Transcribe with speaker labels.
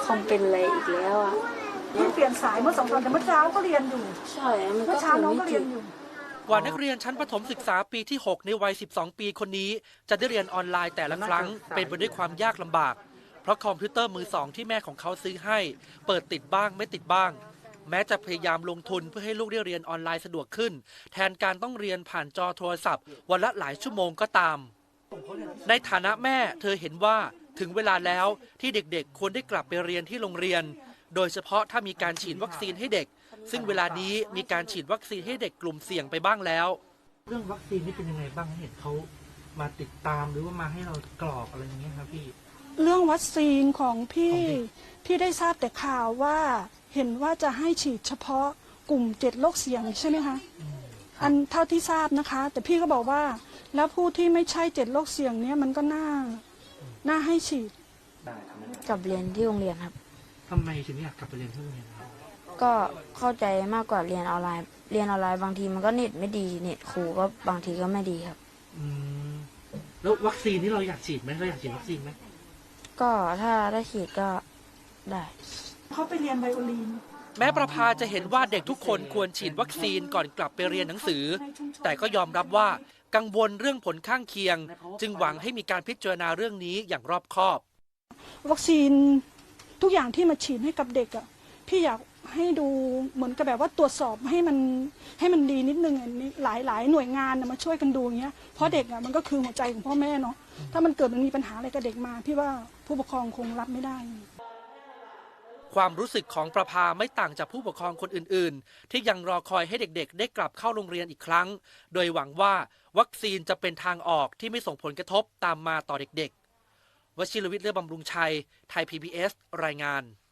Speaker 1: คอมเป็นอะไรอีกแล้วอ่ะ
Speaker 2: เปลี่ยนสายเมื่อ2 วันแต่เมื่อเช้าก็เรียนอยู่
Speaker 1: ใช่มันก็
Speaker 2: เมื่อเช้าน้องก็เรียนอยู่
Speaker 3: กว่านักเรียนชั้นประถมศึกษาปีที่ 6 ในวัย 12 ปีคนนี้จะได้เรียนออนไลน์แต่ละครั้งเป็นไปด้วยความยากลำบากเพราะคอมพิวเตอร์มือ 2ที่แม่ของเขาซื้อให้เปิดติดบ้างไม่ติดบ้างแม้จะพยายามลงทุนเพื่อให้ลูกได้เรียนออนไลน์สะดวกขึ้นแทนการต้องเรียนผ่านจอโทรศัพท์วันละหลายชั่วโมงก็ตามในฐานะแม่เธอเห็นว่าถึงเวลาแล้วที่เด็กๆควรได้กลับไปเรียนที่โรงเรียนโดยเฉพาะถ้ามีการฉีดวัคซีนให้เด็กซึ่งเวลานี้มีการฉีดวัคซีนให้เด็กกลุ่มเสี่ยงไปบ้างแล้ว
Speaker 4: เรื่องวัคซีนนี่เป็นยังไงบ้างเห็นเขามาติดตามหรือว่ามาให้เรากรอกอะไรอย่างเงี้ยครับพี่
Speaker 2: เรื่องวัคซีนของพี่ได้ทราบแต่ข่าวว่าเห็นว่าจะให้ฉีดเฉพาะกลุ่ม7 โรคเสี่ยงใช่ไหมคะอันเท่าที่ทราบนะคะแต่พี่ก็บอกว่าแล้วผู้ที่ไม่ใช่7 โรคเสี่ยงเนี้ยมันก็น่าให้ฉีด
Speaker 1: กลับเรียนที่โรงเรียนครับ
Speaker 4: ทำไมถึงอยากกลับไปเรียนที่โรงเรียนครับ
Speaker 1: ก็เข้าใจมากกว่าเรียนออนไลน์บางทีมันก็เน็ตไม่ดีเน็ตครูก็บางทีก็ไม่ดีครับ
Speaker 4: แล้ววัคซีนที่เราอยากฉีดไหมเราอยากฉีดวัคซีนไหม
Speaker 1: ก็ถ้าได้ฉีดก็ได้
Speaker 2: เขาไปเรียนไบโอลีน
Speaker 3: แม้ประภาจะเห็นว่าเด็กทุกคนควรฉีดวัคซีนก่อนกลับไปเรียนหนังสือแต่ก็ยอมรับว่ากังวลเรื่องผลข้างเคียงจึงหวังให้มีการพิจารณาเรื่องนี้อย่างรอบคอบ
Speaker 2: วัคซีนทุกอย่างที่มาฉีดให้กับเด็กอ่ะพี่อยากให้ดูเหมือนกับแบบว่าตรวจสอบให้มันดีนิดนึงหลายหน่วยงานมาช่วยกันดูอย่างเงี้ยเพราะเด็กอ่ะมันก็คือหัวใจของพ่อแม่เนาะถ้ามันเกิดมันมีปัญหาอะไรกับเด็กมาพี่ว่าผู้ปกครองคงรับไม่ได้
Speaker 3: ความรู้สึกของประภาไม่ต่างจากผู้ปกครองคนอื่นๆที่ยังรอคอยให้เด็กๆได้กลับเข้าโรงเรียนอีกครั้งโดยหวังว่าวัคซีนจะเป็นทางออกที่ไม่ส่งผลกระทบตามมาต่อเด็กๆวชิรวิทย์ เลือบำรุงชัยไทย PBS รายงาน